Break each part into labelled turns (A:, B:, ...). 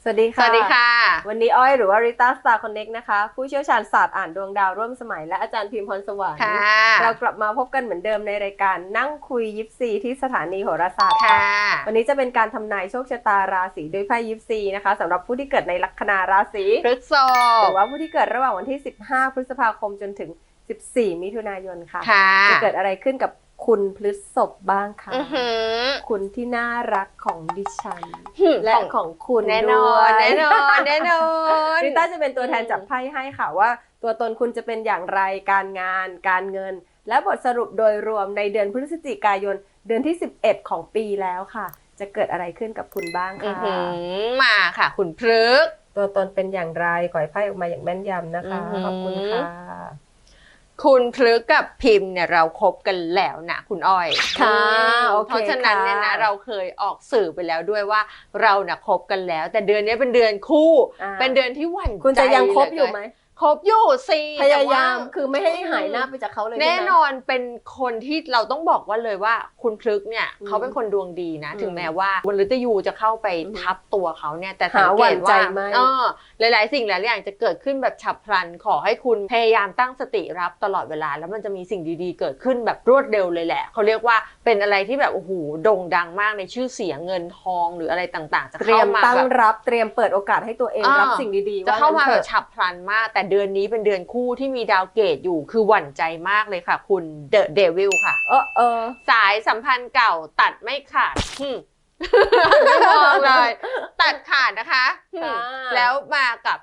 A: สวัสดีค่ะ
B: สวัสดีค่ะ
A: วันนี้อ้อยหรือว่าริต้าสตาร์คอนเน็กนะคะผู้เชี่ยวชาญศาสตร์อ่านดวงดาวร่วมสมัยและอาจารย์พิมพ์พรสวรรค์เรากลับมาพบกันเหมือนเดิมในรายการนั่งคุยยิปซีที่สถานีโหราศาสตร์ค่ะวันนี้จะเป็นการทำนายโชคชะตาราศีด้วยไพ่ยิปซีนะคะสำหรับผู้ที่เกิดในลัคนาราศี
B: พฤษภ
A: หรือว่าผู้ที่เกิดระหว่างวันที่15พฤษภาคมจนถึง14มิถุนายนค่ะจะเกิดอะไรขึ้นกับคุณพฤษภบ้างคะคุณที่น่ารักของดิฉันและของคุณแน่นอน
B: แน่นอนแน่นอน
A: ริต้าจะเป็นตัวแทนจับไพ่ให้ค่ะว่าตัวตนคุณจะเป็นอย่างไรการงานการเงินและบทสรุปโดยรวมในเดือนพฤศจิกายนเดือนที่11ของปีแล้วค่ะจะเกิดอะไรขึ้นกับคุณบ้างค่ะ
B: มาค่ะคุณพฤกษ์
A: ตัวตนเป็นอย่างไรขอให้ไพ่ออกมาอย่างแม่นยำนะคะขอบคุณค่ะ
B: คุณพฤกษ์กับพิมพ์เนี่ยเราคบกันแล้วนะคุณอ้อย
A: ค่ะ
B: เพราะฉะนั้นเนี่ยนะเราเคยออกสื่อไปแล้วด้วยว่าเราน่ะคบกันแล้วแต่เดือนนี้เป็นเดือนคู่เป็นเดือนที่หวั่นใจ
A: คุณจะยังคบอยู่ไหม
B: คบอยู่สิ
A: พยายามคือไม่ให้หายหน้าไปจากเขาเลย
B: แน่นอนเป็นคนที่เราต้องบอกว่าเลยว่าคุณพฤกษ์เนี่ยเขาเป็นคนดวงดีนะถึงแม้ว่าวันฤตยูจะเข้าไปทับตัวเขาเนี่ยแต่สังเกตว่าหลายๆสิ่งหลายอย่างจะเกิดขึ้นแบบฉับพลันขอให้คุณพยายามตั้งสติรับตลอดเวลาแล้วมันจะมีสิ่งดีๆเกิดขึ้นแบบรวดเร็วเลยแหละเขาเรียกว่าเป็นอะไรที่แบบโอ้โหโด่งดังมากในชื่อเสียงเงินทองหรืออะไรต่างๆจะเข้ามา
A: ตั้งรับเตรียมเปิดโอกาสให้ตัวเองรับสิ่งดีๆ
B: จะเข้ามาแบบฉับพลันมากแต่เดือนนี้เป็นเดือนคู่ที่มีดาวเกตอยู่คือหวั่นใจมากเลยค่ะคุณเดอะเดวิลค่ะสายสัมพันธ์เก่าตัดไม่ขาดไม่มองเลยตัดขาดนะคะแล้วมากับ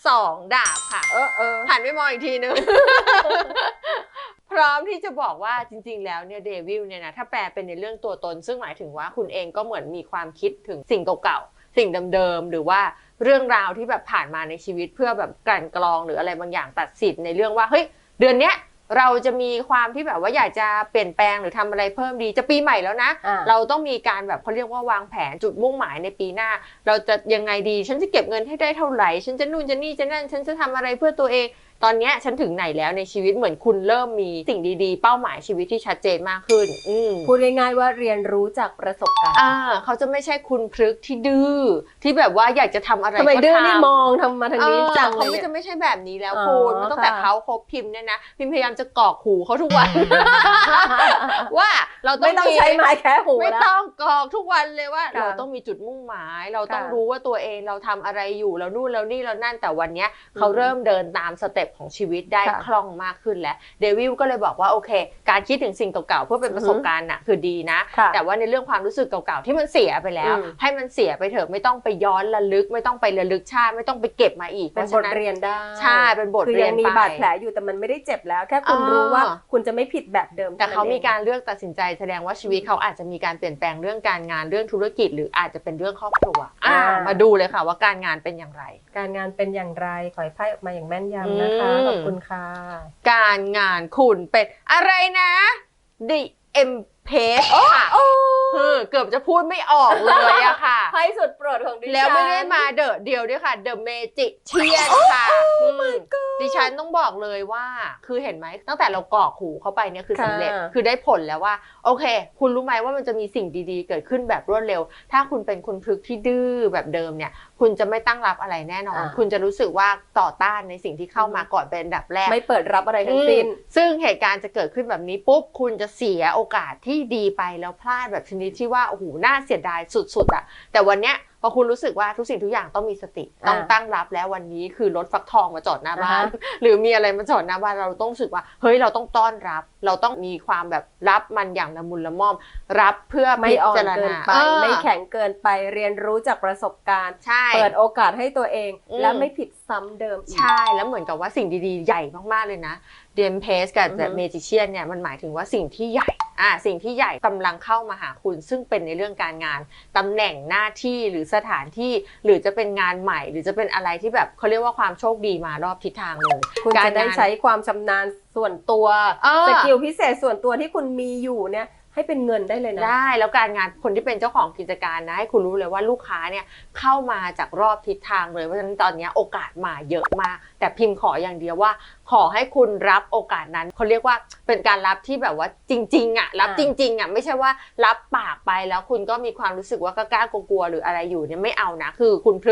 B: 2 ดาบค่ะหันไปมองอีกทีนึงพร้อมที่จะบอกว่าจริงๆแล้วเนี่ยเดวิลเนี่ยนะถ้าแปลเป็นในเรื่องตัวตนซึ่งหมายถึงว่าคุณเองก็เหมือนมีความคิดถึงสิ่งเก่าๆสิ่งเดิมๆหรือว่าเรื่องราวที่แบบผ่านมาในชีวิตเพื่อแบบกลั่นกรองหรืออะไรบางอย่างตัดสินในเรื่องว่าเฮ้ยเดือนเนี้ยเราจะมีความที่แบบว่าอยากจะเปลี่ยนแปลงหรือทำอะไรเพิ่มดีจะปีใหม่แล้วนะเราต้องมีการแบบเขาเรียกว่าวางแผนจุดมุ่งหมายในปีหน้าเราจะยังไงดีฉันจะเก็บเงินให้ได้เท่าไหร่ฉันจะนู่นจะนี่จะนั่นฉันจะทำอะไรเพื่อตัวเองตอนนี้ฉันถึงไหนแล้วในชีวิตเหมือนคุณเริ่มมีสิ่งดีๆเป้าหมายชีวิตที่ชัดเจนมากขึ้น
A: พูดง่ายๆว่าเรียนรู้จากประสบการณ์
B: เขาจะไม่ใช่คุณพฤกษ์ที่ดื้อที่แบบว่าอยากจะทำอะไรก็
A: ทำไมดื้อนี่มองทำมาทางนี้จังเลย
B: เขาไม่ใช่แบบนี้แล้วคุณมันตั้งแต่เขาคบพิมพ์เนี่ยนะพิมพ์พยายามจะกรอกหูเขาทุกวันว่าเรา
A: ไม่ต้องใช้ไม้แค่หู
B: ไม่ต้องกรอกทุกวันเลยว่าเราต้องมีจุดมุ่งหมายเราต้องรู้ว่าตัวเองเราทำอะไรอยู่เรานู่นเรานี่เรานั่นแต่วันนี้เขาเริ่มเดินตามสเต็ปของชีวิตได้คล่องมากขึ้นแล้วเดวิลก็เลยบอกว่าโอเคการคิดถึงสิ่งเก่าๆเพื่อเป็นประสบการณ์น่ะคือดีนะแต่ว่าในเรื่องความรู้สึกเก่าๆที่มันเสียไปแล้วให้มันเสียไปเถอะไม่ต้องไปย้อนระลึกไม่ต้องไประลึกชาติไม่ต้องไปเก็บมาอีก
A: เป็นบทเรียนได้
B: ใช่เป็นบทเรียน
A: คือยังมีบาดแผลอยู่แต่มันไม่ได้เจ็บแล้วแค่คุณรู้ว่าคุณจะไม่ผิดแบบเดิม
B: แต่เขามีการเลือกตัดสินใจแสดงว่าชีวิตเขาอาจจะมีการเปลี่ยนแปลงเรื่องการงานเรื่องธุรกิจหรืออาจจะเป็นเรื่องครอบครัวมาดูเลยค่ะว่าการงานเป็นอย่างไร
A: การงานเป็นอย่างไรขอให้ไพ่ออกมาอย่างแม่นยำนะคะขอบคุณค่ะ
B: การงานคุณเป็นอะไรนะ The Empress ค่ะเกือบจะพูดไม่ออกเลยอะค่ะ
A: ไพ่สุดโปรดของดิฉัน
B: แล้วไม่ได้มาเดอะเดียวด้วยค่ะ The Magician ค่ะดิฉันต้องบอกเลยว่าคือเห็นไหมตั้งแต่เรากรอกหูเข้าไปเนี่ยคือสำเร็จคือได้ผลแล้วว่าโอเคคุณรู้ไหมว่ามันจะมีสิ่งดีๆเกิดขึ้นแบบรวดเร็วถ้าคุณเป็นคุณพฤกษ์ที่ดื้อแบบเดิมเนี่ยคุณจะไม่ตั้งรับอะไรแน่นอนคุณจะรู้สึกว่าต่อต้านในสิ่งที่เข้ามาก่อนเป็นอันดับแรก
A: ไม่เปิดรับอะไรทั้งสิ้น
B: ซึ่งเหตุการณ์จะเกิดขึ้นแบบนี้ปุ๊บคุณจะเสียโอกาสที่ดีไปแล้วพลาดแบบชนิดที่ว่าโอ้โหน่าเสียดายสุดๆอะแต่วันเนี้ยพอคุณรู้สึกว่าทุกสิ่งทุกอย่างต้องมีสติต้องตั้งรับแล้ววันนี้คือรถฟักทองมาจอดหน้าบ้านหรือมีอะไรมาจอดหน้าบ้านเราต้องรู้สึกว่าเฮ้ยเราต้องต้อนรับเราต้องมีความแบบรับมันอย่างละมุนละม่อมรับเพื่อ
A: ไม่อ่อนเกินไปไม่แข็งเกินไปเรียนรู้จากประสบการณ์เปิดโอกาสให้ตัวเองและไม่ผิดซ้ำเดิมอีก
B: ใช่แล้วเหมือนกับว่าสิ่งดีๆใหญ่มากๆเลยนะเดมเพสกับเมจิเชียนเนี่ยมันหมายถึงว่าสิ่งที่ใหญ่สิ่งที่ใหญ่กำลังเข้ามาหาคุณซึ่งเป็นในเรื่องการงานตำแหน่งหน้าที่หรือสถานที่หรือจะเป็นงานใหม่หรือจะเป็นอะไรที่แบบเขาเรียกว่าความโชคดีมารอบทิศทางเลย
A: คุณจะได้ใช้ความชำนาญส่วนตัวสกิลพิเศษส่วนตัวที่คุณมีอยู่เนี่ยให้เป็นเงินได้เลยนะ
B: ได้แล้วการงานคนที่เป็นเจ้าของกิจการนะให้คุณรู้เลยว่าลูกค้าเนี่ยเข้ามาจากรอบทิศทางเลยเพราะฉะนั้นตอนนี้โอกาสมาเยอะมากแต่พิมพ์ขออย่างเดียวว่าขอให้คุณรับโอกาสนั้นเขาเรียกว่าเป็นการรับที่แบบว่าจริงๆอ่ะรับจริงๆอ่ะไม่ใช่ว่ารับปากไปแล้วคุณก็มีความรู้สึกว่ากล้ากลัวๆหรืออะไรอยู่เนี่ยไม่เอานะคือคุณพฤกษ์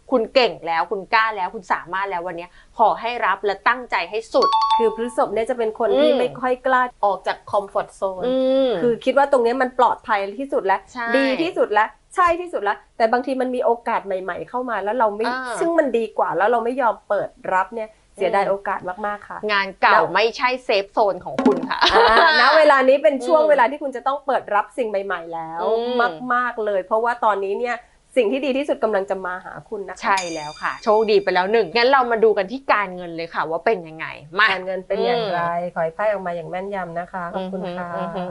B: คุณเก่งแล้วคุณกล้าแล้วคุณสามารถแล้ววันนี้ขอให้รับและตั้งใจให้สุด
A: คือพฤษภเนี่ยจะเป็นคนที่ไม่ค่อยกล้าออกจากคอมฟอร์ทโซนคือคิดว่าตรงนี้มันปลอดภัยที่สุดแล้วดีที่สุดแล้วใช่ที่สุดแล้วแต่บางทีมันมีโอกาสใหม่ๆเข้ามาแล้วเราไม่ซึ่งมันดีกว่าแล้วเราไม่ยอมเปิดรับเนี่ยเสียดายโอกาสมากๆค่ะ
B: งานเก่าไม่ใช่เซฟโซนของคุณค่ะ
A: ณเวลานี้เป็นช่วงเวลาที่คุณจะต้องเปิดรับสิ่งใหม่ๆแล้วมากๆเลยเพราะว่าตอนนี้เนี่ยสิ่งที่ดีที่สุดกำลังจะมาหาคุณนะคะ
B: ใช่แล้วค่ะโชคดีไปแล้วหนึ่งงั้นเรามาดูกันที่การเงินเลยค่ะว่าเป็นยังไง
A: การเงินเป็นอย่างไรขอให้ไพ่ออกมาอย่างแม่นยำนะคะขอบคุณค่ะ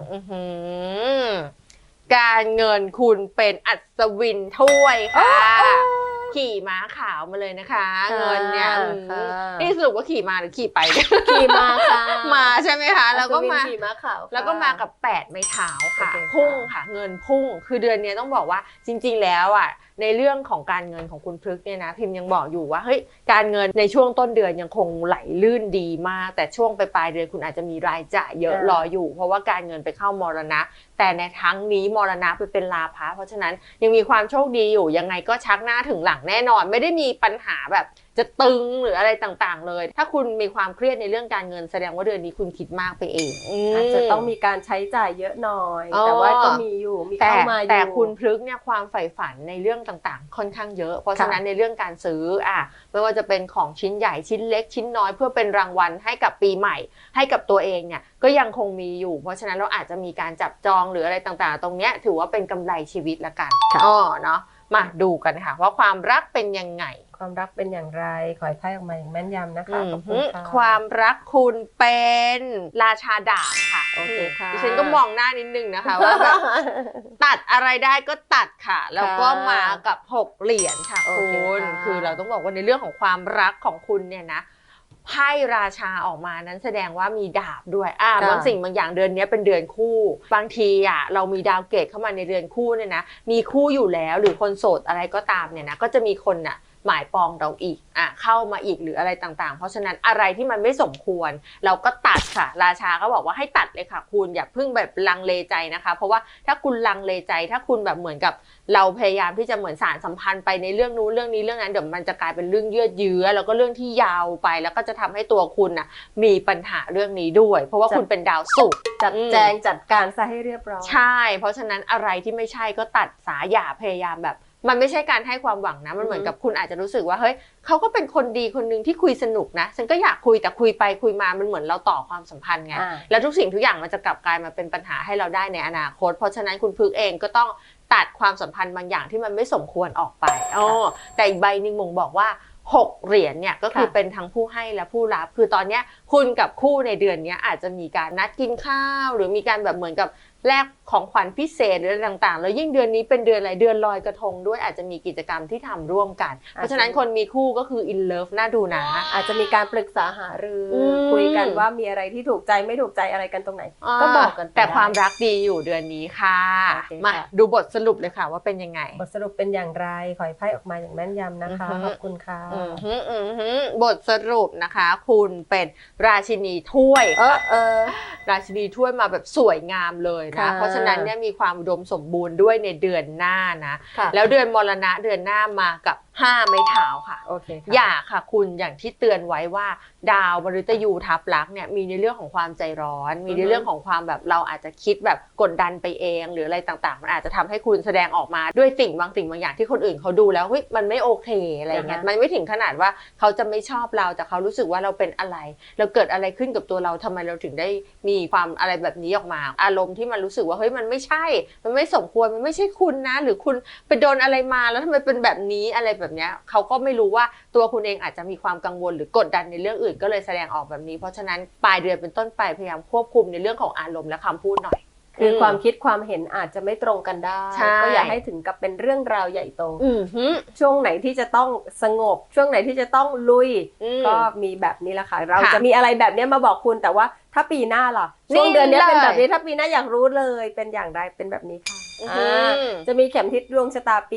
B: การเงินคุณเป็นอัศวินถ้วยค่ะขี่ม้าขาวมาเลยนะคะเงินเนี่ยนี่สรุปว่าขี่มาหรือขี่ไป
A: ขี่มาค่ะ
B: มาใช่ไหมคะแล้วก็มา
A: ขี่ม้าขาว
B: แล้วก็มากับ8ไม้เท้าค่ะพุ่งค่ะเงินพุ่งคือเดือนนี้ต้องบอกว่าจริงๆแล้วอ่ะในเรื่องของการเงินของคุณพฤกษ์เนี่ยนะพิมพ์ยังบอกอยู่ว่าเฮ้ยการเงินในช่วงต้นเดือนยังคงไหลลื่นดีมากแต่ช่วงปลายเดือนคุณอาจจะมีรายจ่ายเยอะรออยู่เพราะว่าการเงินไปเข้ามรณะแต่ในทั้งนี้มรณะไปเป็นลาภะเพราะฉะนั้นยังมีความโชคดีอยู่ยังไงก็ชักหน้าถึงหลังแน่นอนไม่ได้มีปัญหาแบบจะตึงหรืออะไรต่างๆเลยถ้าคุณมีความเครียดในเรื่องการเงินแสดงว่าเดือนนี้คุณคิดมากไปเอง
A: อาจจะต้องมีการใช้จ่ายเยอะหน่อยแต่ว่าก็มีอยู่มีเข้ามาอยู่
B: แต่คุณพฤกษ์เนี่ยความใฝ่ฝันในเรื่องต่างๆค่อนข้างเยอะเพราะฉะนั้นในเรื่องการซื้อไม่ว่าจะเป็นของชิ้นใหญ่ชิ้นเล็กชิ้นน้อยเพื่อเป็นรางวัลให้กับปีใหม่ให้กับตัวเองเนี่ยก็ยังคงมีอยู่เพราะฉะนั้นเราอาจจะมีการจับจองหรืออะไรต่างๆตรงเนี้ยถือว่าเป็นกำไรชีวิตละกันเนาะมาดูกันค่ะว่าความรักเป็นยังไง
A: ความรักเป็นอย่างไรขอให้ไพ่ออกมาอย่างแม่นยำนะคะขอบคุณค่ะ
B: ความรักคุณเป็นราชาดาบค่ะ
A: โอเคค่ะ
B: ดิฉันก็มองหน้านิดนึงนะคะว่าแบบตัดอะไรได้ก็ตัดค่ะแล้วก็มากับ6เหรียญค่ะคุณคือเราต้องบอกว่าในเรื่องของความรักของคุณเนี่ยนะไพ่ราชาออกมานั้นแสดงว่ามีดาบด้วยบางสิ่งบางอย่างเดือนนี้เป็นเดือนคู่บางทีเรามีดาวเกตเข้ามาในเดือนคู่เนี่ยนะมีคู่อยู่แล้วหรือคนโสดอะไรก็ตามเนี่ยนะก็จะมีคนหมายปองเราอีกเข้ามาอีกหรืออะไรต่างๆเพราะฉะนั้นอะไรที่มันไม่สมควรเราก็ตัดค่ะราชาก็บอกว่าให้ตัดเลยค่ะคุณอย่าเพิ่งแบบลังเลใจนะคะเพราะว่าถ้าคุณลังเลใจถ้าคุณแบบเหมือนกับเราพยายามที่จะเหมือนสานสัมพันธ์ไปในเรื่องนู้นเรื่องนี้เรื่องนั้นเดี๋ยวมันจะกลายเป็นเรื่องยืดเยื้อแล้วก็เรื่องที่ยาวไปแล้วก็จะทำให้ตัวคุณมีปัญหาเรื่องนี้ด้วยเพราะว่าคุณเป็นดาวศุกร์
A: จัดแจงจัดการซะให้เรียบร้อย
B: ใช่เพราะฉะนั้นอะไรที่ไม่ใช่ก็ตัดสาอย่าพยายามแบบมันไม่ใช่การให้ความหวังนะมันเหมือนกับคุณอาจจะรู้สึกว่าเฮ้ยเขาก็เป็นคนดีคนนึงที่คุยสนุกนะฉันก็อยากคุยแต่คุยไปคุยมามันเหมือนเราต่อความสัมพันธ์ไงแล้วทุกสิ่งทุกอย่างมันจะกลับกลายมาเป็นปัญหาให้เราได้ในอนาคตเพราะฉะนั้นคุณพึกเองก็ต้องตัดความสัมพันธ์บางอย่างที่มันไม่สมควรออกไปแต่อีกใบหนึ่งมงบอกว่า6เหรียญเนี่ยก็คือเป็นทั้งผู้ให้และผู้รับคือตอนนี้คุณกับคู่ในเดือนนี้อาจจะมีการนัดกินข้าวหรือมีการแบบเหมือนกับแลกของขวัญพิเศษหรืออะไรต่างๆแล้วยิ่งเดือนนี้เป็นเดือนอะไรเดือนลอยกระทงด้วยอาจจะมีกิจกรรมที่ทำร่วมกันเพราะฉะนั้นคนมีคู่ก็คือ in love น่าดูนะ
A: อาจจะมีการปรึกษาหารือคุยกันว่ามีอะไรที่ถูกใจไม่ถูกใจอะไรกันตรงไหนก็บอกกัน
B: แต่ความรักดีอยู่เดือนนี้ค่ะมาดูบทสรุปเลยค่ะว่าเป็นยังไง
A: บทสรุปเป็นอย่างไรขอให้ไพ่ออกมาอย่างแม่นยำนะคะขอบคุณค่ะ
B: บทสรุปนะคะคุณเป็นราชินีถ้วยราชินีถ้วยมาแบบสวยงามเลยนะเพราะฉะนั้นเนี่ยมีความอุดมสมบูรณ์ด้วยในเดือนหน้านะแล้วเดือนมรณะเดือนหน้ามากับ5ไม้เท้าค่ะ
A: โอเค
B: อย่าค่ะคุณอย่างที่เตือนไว้ว่าดาวมฤตยูทับลักษณ์เนี่ยมีในเรื่องของความใจร้อนมีในเรื่องของความแบบเราอาจจะคิดแบบกดดันไปเองหรืออะไรต่างๆมันอาจจะทำให้คุณแสดงออกมาด้วยสิ่งบางอย่างที่คนอื่นเขาดูแล้วเฮ้ยมันไม่โอเคอะไรเงี้ยมันไม่ถึงขนาดว่าเขาจะไม่ชอบเราแต่เขารู้สึกว่าเราเป็นอะไรเราเกิดอะไรขึ้นกับตัวเราทำไมเราถึงได้มีความอะไรแบบนี้ออกมาอารมณ์ที่มันรู้สึกว่าเฮ้ยมันไม่ใช่มันไม่สมควรมันไม่ใช่คุณนะหรือคุณไปโดนอะไรมาแล้วทำไมเป็นแบบนี้อะไรแบบเนี้ยเขาก็ไม่รู้ว่าตัวคุณเองอาจจะมีความกังวลหรือกดดันในเรื่องอื่นก็เลยแสดงออกแบบนี้เพราะฉะนั้นปลายเดือนเป็นต้นไปพยายามควบคุมในเรื่องของอารมณ์และคำพูดหน่อย
A: คือความคิดความเห็นอาจจะไม่ตรงกันได้ก็อย่าให้ถึงกับเป็นเรื่องราวใหญ่โตช่วงไหนที่จะต้องสงบช่วงไหนที่จะต้องลุยก็มีแบบนี้แหละค่ะเราจะมีอะไรแบบนี้มาบอกคุณแต่ว่าถ้าปีหน้าล่ะช่วงเดือนนี้เป็นแบบนี้ถ้าปีหน้าอยากรู้เลยเป็นอย่างไรเป็นแบบนี้ค่ะจะมีเข็มทิศดวงชะตาปี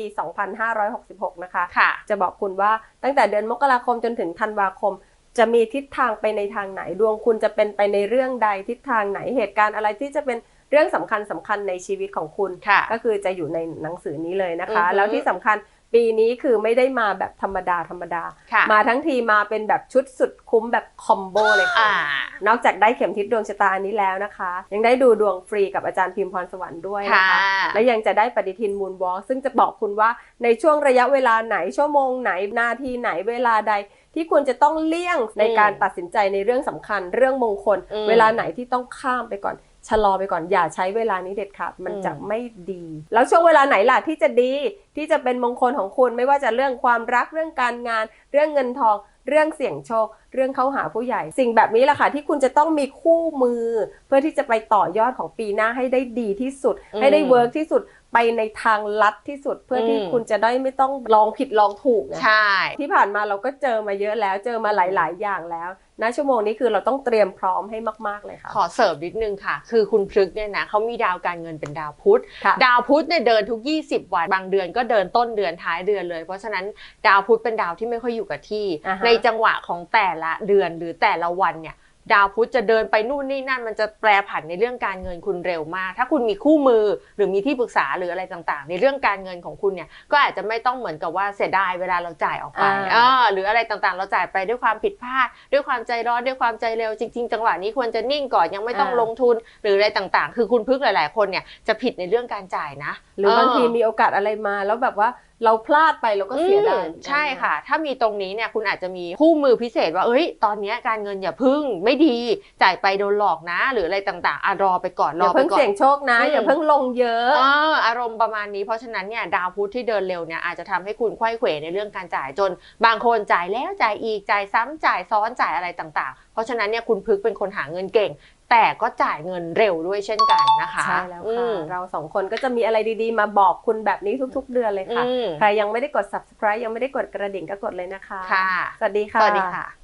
A: 2566 นะคะจะบอกคุณว่าตั้งแต่เดือนมกราคมจนถึงธันวาคมจะมีทิศทางไปในทางไหนดวงคุณจะเป็นไปในเรื่องใดทิศทางไหนเหตุการณ์อะไรที่จะเป็นเรื่องสำคัญในชีวิตของคุณก็คือจะอยู่ในหนังสือนี้เลยนะคะแล้วที่สำคัญปีนี้คือไม่ได้มาแบบธรรมดามาทั้งทีมาเป็นแบบชุดสุดคุ้มแบบคอมโบเลยค่ะนอกจากได้เข็มทิศดวงชะตาอันนี้แล้วนะคะยังได้ดูดวงฟรีกับอาจารย์พิมพ์พรสวรรค์ด้วยนะคะและยังจะได้ปฏิทินมูนวอล์กซึ่งจะบอกคุณว่าในช่วงระยะเวลาไหนชั่วโมงไหนนาทีไหนเวลาใดที่ควรจะต้องเลี่ยงในการตัดสินใจในเรื่องสำคัญเรื่องมงคลเวลาไหนที่ต้องข้ามไปก่อนชะลอไปก่อนอย่าใช้เวลานี้เด็ดขาดมันจะไม่ดีแล้วช่วงเวลาไหนล่ะที่จะดีที่จะเป็นมงคลของคุณไม่ว่าจะเรื่องความรักเรื่องการงานเรื่องเงินทองเรื่องเสี่ยงโชคเรื่องเข้าหาผู้ใหญ่สิ่งแบบนี้แหละค่ะที่คุณจะต้องมีคู่มือเพื่อที่จะไปต่อยอดของปีหน้าให้ได้ดีที่สุดให้ได้เวิร์กที่สุดไปในทางลัดที่สุดเพื่อที่คุณจะได้ไม่ต้องลองผิดลองถูกนะใช่ที่ผ่านมาเราก็เจอมาเยอะแล้วเจอมาหลายๆอย่างแล้วณชั่วโมงนี้คือเราต้องเตรียมพร้อมให้มากๆเลยค่ะขอเสริมนิดนึงค่ะคือคุณพฤกษ์เนี่ยนะเขามีดาวการเงินเป็นดาวพุธดาวพุธเนี่ยเดินทุก20วันบางเดือนก็เดินต้นเดือนท้ายเดือนเลยเพราะฉะนั้นดาวพุธเป็นดาวที่ไม่ค่อยอยู่กับที่ในจังหวะของแต่ละเดือนหรือแต่ละวันเนี่ยดาวพุธจะเดินไปนู่นนี่นั่นมันจะแปรผันในเรื่องการเงินคุณเร็วมากถ้าคุณมีคู่มือหรือมีที่ปรึกษาหรืออะไรต่างๆในเรื่องการเงินของคุณเนี่ยก็อาจจะไม่ต้องเหมือนกับว่าเสียดายเวลาเราจ่ายออกไปหรืออะไรต่างๆเราจ่ายไปด้วยความผิดพลาดด้วยความใจร้อนด้วยความใจเร็วจริงๆจังหวะนี้ควรจะนิ่งก่อนยังไม่ต้องลงทุนหรืออะไรต่างๆคือคุณพฤกษ์หลายๆคนเนี่ยจะผิดในเรื่องการจ่ายนะหรือบางทีมีโอกาสอะไรมาแล้วแบบว่าเราพลาดไปเราก็เสียดายใช่ค่ะถ้ามีตรงนี้เนี่ยคุณอาจจะมีคู่มือพิเศษว่าตอนนี้การเงินอย่าพึ่งไม่ดีจ่ายไปโดนหลอกนะหรืออะไรต่างๆรอไปก่อนรอไปก่อนอย่าเพิ่งเสี่ยงโชคนะอย่าเพิ่งลงเยอะอารมณ์ประมาณนี้เพราะฉะนั้นเนี่ยดาวพุธที่เดินเร็วเนี่ยอาจจะทำให้คุณไขว้เขวในเรื่องการจ่ายจนบางคนจ่ายแล้วจ่ายอีกจ่ายซ้ำจ่ายซ้อนจ่ายอะไรต่างๆเพราะฉะนั้นเนี่ยคุณพฤกษ์เป็นคนหาเงินเก่งแต่ก็จ่ายเงินเร็วด้วยเช่นกันนะคะใช่แล้วค่ะเราสองคนก็จะมีอะไรดีๆมาบอกคุณแบบนี้ทุกๆเดือนเลยค่ะใครยังไม่ได้กด subscribe ยังไม่ได้กดกระดิ่งก็กดเลยนะคะค่ะสวัสดีค่ะสวัสดีค่ะ